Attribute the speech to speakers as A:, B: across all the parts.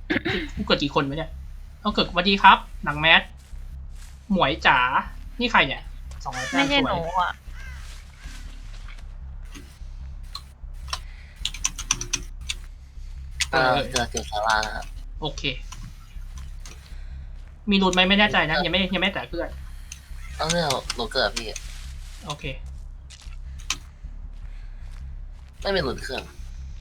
A: กูเกิดกี่คนวะเนี่ยเอาเกิดสวัสดีครับหนังแมสหมวยจ๋านี่ใครเนี่ย200 แต้
B: ไม่
A: ม
B: ใช่
A: สว
B: หนู
A: ย
B: อ่ะ
C: เจอศาลานะครับ
A: โอเค มีรูนไหมไม่แน่ใจนะยังไม่แต่เพื่อน
C: ต้องเลือกหนูเกิดพี่
A: โอเค
C: ไม่มีหลุดเครื่อง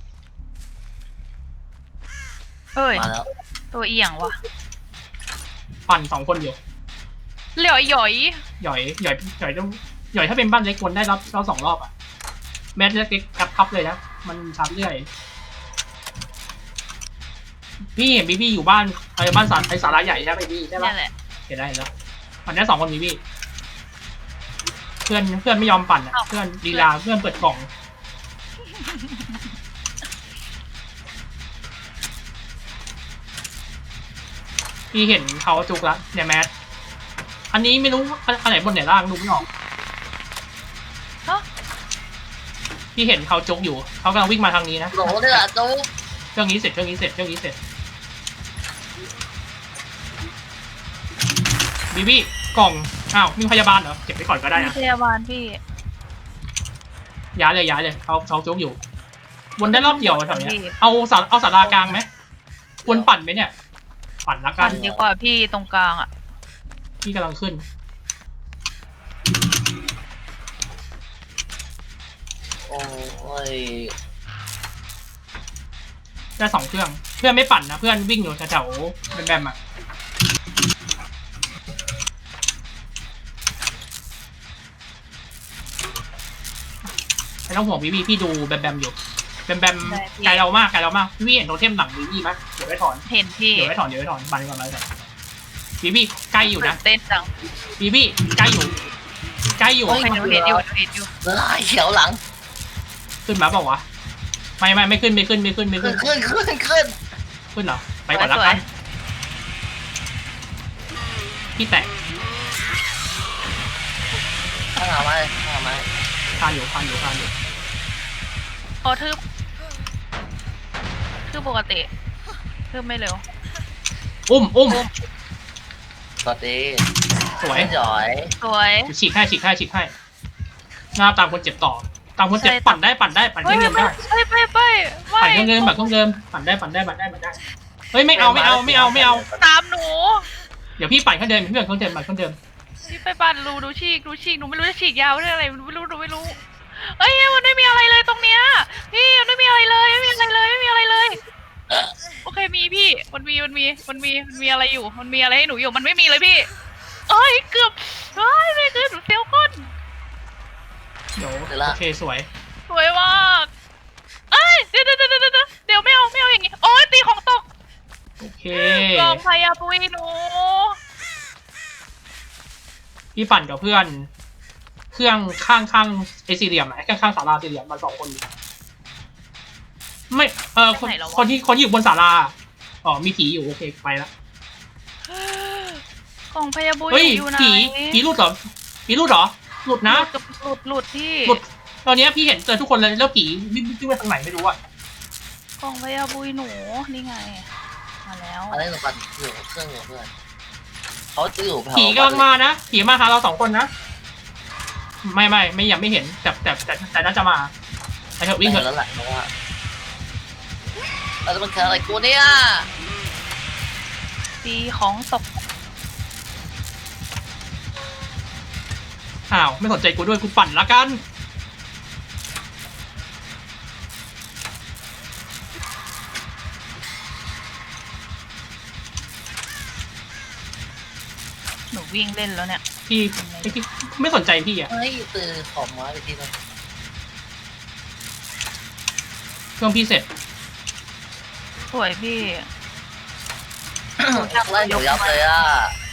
B: เอ้ย
C: มาแล้ว
B: ตัวเอียงว่ะ
A: ปั่น2 คนอยู่
B: เหลี่ยวหย่อย
A: หย่อยต้องหย่อยถ้าเป็นบ้านเล็กคนได้รับเรา2 รอบอ่ะแมสเล็กๆกับพับเลยนะมันชาร์จเรื่อยพี่เห็นพี่อยู่บ้านบ้านสาราใหญ่ใช่ไหมพี่ใช่ปะ
B: นี่แหละ
A: เห็นได้แล้วปั่นได้2 คนมีพี่เพื่อนไม่ยอมปั่นอ่ะเพื่อนลีลาเพื่อนเปิดกล่องพี่เห็นเขาจุกละเนี่ยแมสอันนี้ไม่รู้อันไหนบนไหนล่างดูไม่ออก
B: ฮะ
A: พี่เห็นเขาจุกอยู่เขากำลังวิ่งมาทางนี้นะ
C: หนูเดือดจู
A: เครื่องนี้เสร็จบีบี้กล่องอ้าวมีพยาบาลเหรอเก็บไว้ก่อนก็ได้
B: มี
A: นะ
B: พยาบาลพี่
A: ย้ายเลยเขาจุกอยู่วนได้รอบเดียวแถวเนี้ยเอาสารากลางไหมควรปั่นไหมเนี่ยปั่นละกั
B: ปั่
A: น
B: นดีกว่าพี่ตรงกลางอ่ะ
A: พี่กำลังขึ้น
C: โอ้ย
A: ได้2 เครื่องเพื่อนไม่ปั่นนะเพื่อนวิ่งอยู่แถวๆแบมอ่ะไม่ต้องห่วงพี่ดูแบมอยู่แบมไกลเรามากพี่เห็นโทเทมหลังพี่ไหมเดี๋ยวไว้ถอน
B: เห็นพี่
A: เดี๋ยวไว้ถอนบันก่อนเลยบีใกล้อยู่นะ
B: เต้นจัง
A: บีใกล้อยู่
B: โอ้ยหนูเห็นอยู่
C: เลือดเขียวหลัง
A: ขึ้นมาเปล่าวะไม่ขึ้น
C: ขึ้น
A: ขึ้นเหรอไปก่อนละกันพี่แตะ
C: ข้างหลังไหม
A: ทานอยู่
B: พอทืบปกติทืบไม่เร็ว
A: อุ้ม
C: สวัสดี
A: สวย
C: จ่อย
B: สวย
A: ฉีกให้หน้าตามคนเจ็บต่อตามคนเจ็บปั่นได้ปั่นเครื่องเงินได้
B: ไป
A: ปั่นเครื่องเงินปั่นได้เฮ้ยไม่เอา
B: ตามหนู
A: เดี๋ยวพี่ปั่นเครื่องเดิมปั่นเครื่องเดิม
B: พี่ไปปั่นดูฉีกหนูไม่รู้จะฉีกยาวได้อะไรไม่รู้เอ้ยมันไม่มีอะไรเลยตรงเนี้ยพี่มันไม่มีอะไรเลยไม่มีอะไรเลยโอเคมีพี่มันมีอะไรอยู่มันมีอะไรให้หนูอยู่มันไม่มีเลยพี่เอ้ยเกือบเฮ้ยไม่คือหนูเซลก้น
A: เดี๋ยวโอเคสวย
B: สวยมากเอ้ยเดี๋ยวไม่เอาอย่างงี้โอ้ยตีของตก
A: โอเค
B: กองพยาปุยหนู
A: พี่ปั่นกับเพื่อน เครื่องข้างไอสี่เหลี่ยมข้างศาลาสี่เหลี่ยมมา2 คนไม่คนที่อยู่บนศาลาอ๋อมีผีอยู่โอเคไปละ
B: กองพยาปุย
A: เฮ้ย
B: อยู่ไหน
A: ผีหลุดเหรอหลุดนะ
B: หลุดที่
A: หลุดตอนนี้พี่เห็นเจอทุกคนเลยแล้วผีวิ่งไปทางไหนไม่รู้อะ
B: กองพยาปุยหนูนี่ไงมาแล้ว
C: อะไรหนูปั่นอยู่เครื่องอยู่เพื่อนเขาจะอยู่
A: ผีกำลังมานะผีมาหาเรา2 คนนะไม่ยังไม่เห็นแต่น่าจะมาไปเถอะวิ่งเถอะ
C: แล้วแหละเพราะว่าแล้วมันคืออะไรกูเนี่ย
B: ตีของตก
A: อ้าวไม่สนใจกูด้วยกูปั่นละกัน
B: หนูวิ่งเล่นแล้วเนี่ย
A: พี่ไม่สนใจพี่อะ
C: เฮ้ยตื่นขอมไม้ไปทีนึง
A: เครื่องพี่เสร็จ
B: สวยพี่
C: ไล่หนูยับเลยอ่ะ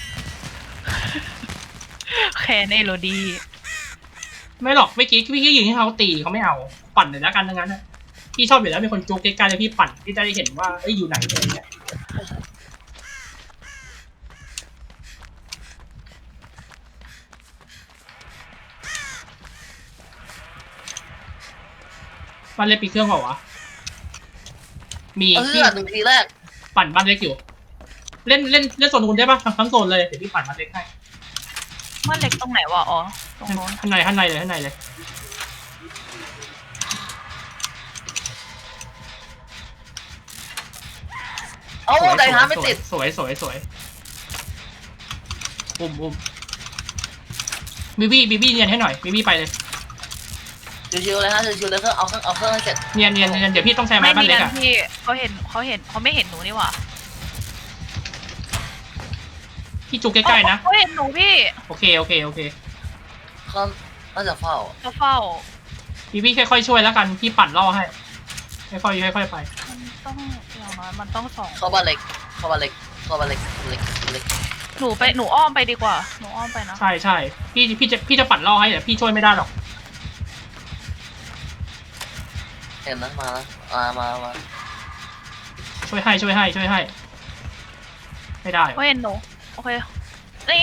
B: แค่ในโรดี
A: ไม่หรอกเมื่อกี้พี่ยิงให้เขาตีเขาไม่เอาปั่นเลยละกันทั้งนั้นนะพี่ชอบอยู่แล้วมีคนจุกใกล้ๆเลยพี่ปั่นพี่จะได้เห็นว่าอยู่ไหนอะไรเงี้ยมันเลยปีเครื่องเปล่าวะมี
C: 1 ทีแรก
A: ปั่นบ้านเล็กอยู่เล่นโซนนู้นได้ปะทั้งโซนเลยเดี๋ยวพี่ปั่นบ้านเล็กให้
B: มันเล็กตรงไหนวะอ๋อตรงโน้น
A: ข้างในเลย
C: เอ้าไดฮาร์ไม่ติด
A: สวยอุ้มบีบี้เนียนให้หน่อยบีบี้ไปเลย
C: ชิวๆเลยฮะชิวๆเลยเอาเครื่องให้เสร็จ
A: เนียนเดี๋ยวพี่ต้องแซงไม้บ้านเล็กอ่ะ
B: พี่เขาไม่เห็นหนูนี่หว่า
A: พี่จุกใกล้ๆนะ
B: เขาเห็นหนูพี่
A: โอเค
C: เขาน่าจะเฝ้า
B: เขาเฝ้า
A: บีบี้ค่อยๆช่วยแล้วกันพี่ปั่นล่อให้ค่อยๆไป
B: มันต้องอย่างน้อยมันต้องสอง
C: เข้าบ้านเล็ก
B: หนูอ้อมไปดีกว่าหนูอ้อมไปนะ
A: ใช่พี่จะปั่นล่อให้แต่พี่ช่วยไม่ได้หรอก
C: เห็นนะมา
A: ช่วยให้ไม่ได้
B: เขาเห็นหนูโอเคนี่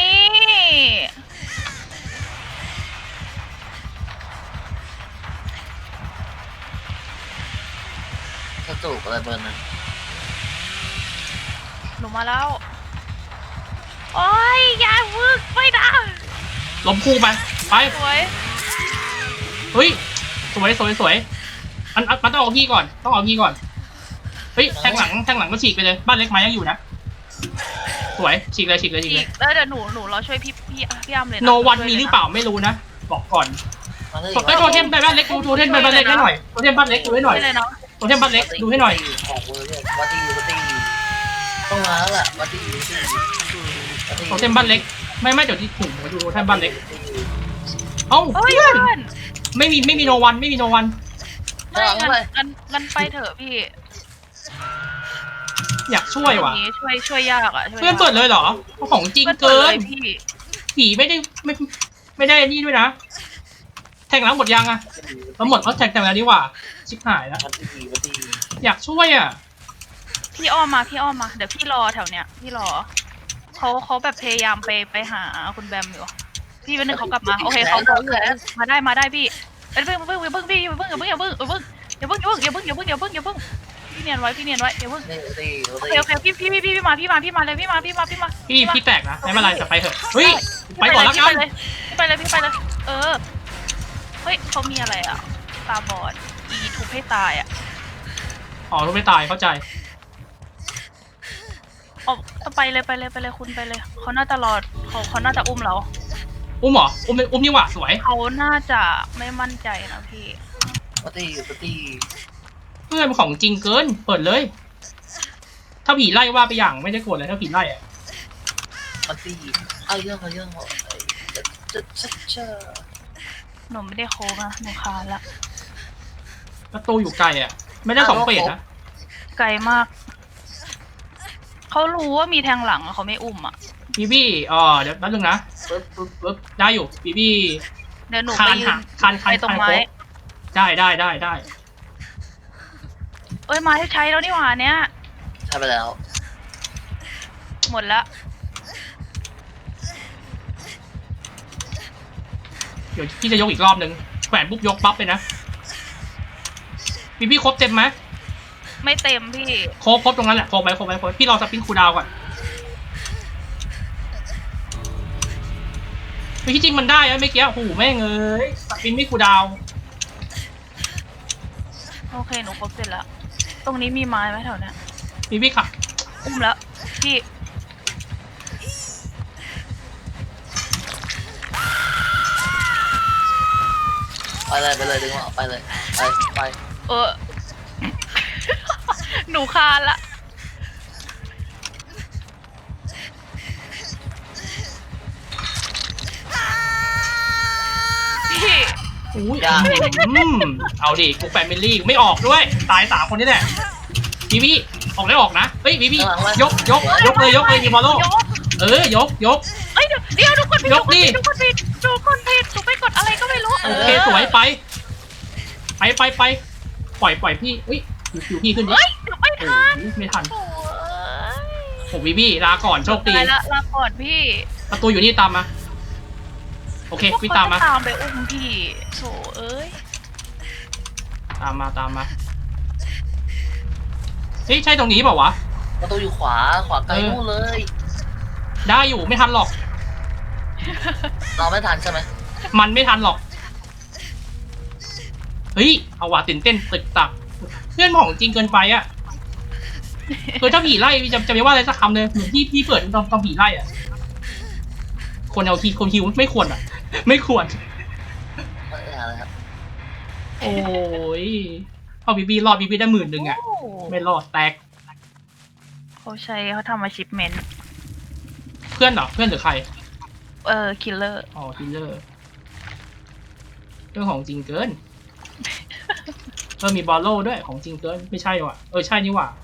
C: กระจุกอะไรเบอร์นั้น
B: หนูมาแล้วโอ้ยอย่าวึกไม่ได้
A: ล้มคู่ไป
B: สวย
A: เฮ้ยสวยมันต้องเอาพี่ก่อนเฮ้ยแทงหลังก็ฉีกไปเลยบ้านเล็กไม้ยังอยู่นะสวยฉีกเลย
B: อีกแล้วเดี๋ยวหนูรอช่วยพี่อ้ำเลยนะ
A: โนวันมีหรือเปล่าไม่รู้นะบอกก่อน
C: มาเลย
A: ไอ้โทเทมไปบ้านเล็กดูโทเทมไปบ้านเล็กให้หน่อยโทเทมบ้านเล็กดูให้หน่อย
B: ไม่เลยเนาะ
A: โทเทมบ้านเล็กดูให้หน่อย
C: ของเบอร์เนี่ยวัดดีต้องมาแล้วแหละวัดดี
A: โทเทมบ้านเล็กไม่เดี๋ยวที่ถุงดูโทเทมบ้านเล็กเอ้า
B: เฮ้ย
A: เพื่อน
B: เพื่อน
A: ไม่มีโนวัน
B: ไม่งั้นไปเถอะพี่
A: อยากช่วยว่ะ
B: นี้ช่วยยากอ่ะ
A: เพื่อนเปิดเลยเหรอของจริงเกิน
B: พี่
A: ผีไม่ได้นี่ด้วยนะแทงหลังหมดยังอะเราหมดเขาแทงแล้วนี่หว่าชิบหายแล้ว
C: วัดดี
A: อยากช่วยอ่ะ
B: พี่อ้อมมาเดี๋ยวพี่รอแถวเนี้ยพี่รอเขาแบบพยายามไปหาคุณแบมอยู่พี่เป็นหนึ่งเขากลับมาโอเคเขาอยู่แล้วมาได้พี่เพิ่งพี่อย่าเพิ่งพี่เนียนไว้อย่าเพิ่ง
C: ดี
B: โอเคพี่มาเลยพี่มา
A: พี่แตกนะไม่เป็นไรจะไปเถอะเฮ้ยไปก่อนแล้วกัน
B: พี่ไปเลยเฮ้ยเขามีอะไรอ่ะตาบอดทุบให้ตายอ่ะ
A: อ๋อรู้ไม่ตายเข้าใจ
B: ไปเลยคุณไปเลยเขาน่าจะรอเขาน่าจะอุ้มเรา
A: อุ้มเหรออุ้มนี่หว่าสวย
B: เขาน่าจะไม่มั่นใจนะพี่
C: วัดดี
A: เพื่อนของจริงเกินเปิดเลย ถ้าผีไล่ว่าไปอย่างไม่ได้โกรธเลยถ้าผีไล่อะ
C: วัดดีเอาเรื่องจะ
B: หนูไม่ได้โค้งอะหนูคานละ
A: ประตูอยู่ไกลอะไม่ได้สองเฟสนะ
B: ไกลมากเขารู้ว่ามีแทงหลังเขาไม่อุ้มอ่ะ
A: บีบี้เดี๋ยวแป๊บนึงนะปึ๊บได้อยู่บีบี้
B: เดี๋ยวหนู
A: คา
B: ไป
A: น
B: ยื
A: หั
B: น
A: กคาน
B: ไปตรงไม้
A: ได้
B: เอ้ยไม้ใช้แล้วนี่หว่าเนี้ย
C: ใช่ไปแล้ว
B: หมดละ
A: เดี๋ยวพี่จะยกอีกรอบนึงแขวนปุ๊บยกปั๊บเลยนะบีบี้ครบเต็มไหม
B: ไม่เต็มพี่
A: ครบตรงนั้นแหละครบไปพี่รอสปินคูลดาวน์ก่อนไม่ที่จริงมันได้อะเมื่อกี้โอ้โหแม่งเอ้ยสปินไม่คูลดาวน์
B: โอเคหนูครบเสร็จแล้วตรงนี้มีไม้ไหมแถวเนี้ย
A: บีบี้ค่ะ
B: อุ้มแล้วพี่
C: ไปเลยดึงออกไปเลยไป
B: หนูคานละพี่
A: อุ้ยเอาดิกูแฟมิลี่ไม่ออกด้วยตาย3คนนี่แหละบีบี้ออกได้ออกนะเฮ้ยบีบี้ยกเลยดีมอลโลยก
B: เอ้ยเดี๋ยวทุกคนผิดหนูไปกดอะไรก็ไม่รู้
A: โอเคสวยไปปล่อยพี่อุ้ยอยู่พี่ขึ้นดิ
B: เฮ้ยเดี๋ยวไม่ทัน
A: ไม่ทัน
B: โอ้ย
A: โอ้บีบี้ลาก่อนโชคดี
B: ลาก่อนพี่
A: ประตูอยู่นี่ตามมาโอเคพี่ตามมา
B: ตามไปอุ้มพี่โถเอ้ย
A: ตามมาเฮ้ยใช่ตรงนี้เปล่าวะ
C: ประตูอยู่ขวาไกลนู่นเลย
A: ได้อยู่ไม่ทันหรอก
C: เราไม่ทันใช่ไหม
A: มันไม่ทันหรอก เฮ้ย เอาว่ะตื่นเต้นตึกตัก เพื่อนของจริงเกินไปอ่ะคือถ้าผีไล่จะไม่ว่าอะไรสักคำเลยเหมือนที่เปิดตอนผีไล่อ่ะ คนเอาคนคิวไม่ควรอ่ะ ไม่ควร
C: ไม่อะไรครับ
A: โอ้ยเอาบีรอดบีได้10,000อ่ะ
B: โอ้
A: ไม่รอดแตก
B: เขาทำ achievement
A: เพื่อนเหรอ เพื่อนหรือใคร
B: killer
A: อ๋อคิลเลอร์เรื่องของจริงเกิน มีบอลโล่ด้วยของจริงเกิน ไม่ใช่ว่ะ ใช่นี่ว่ะ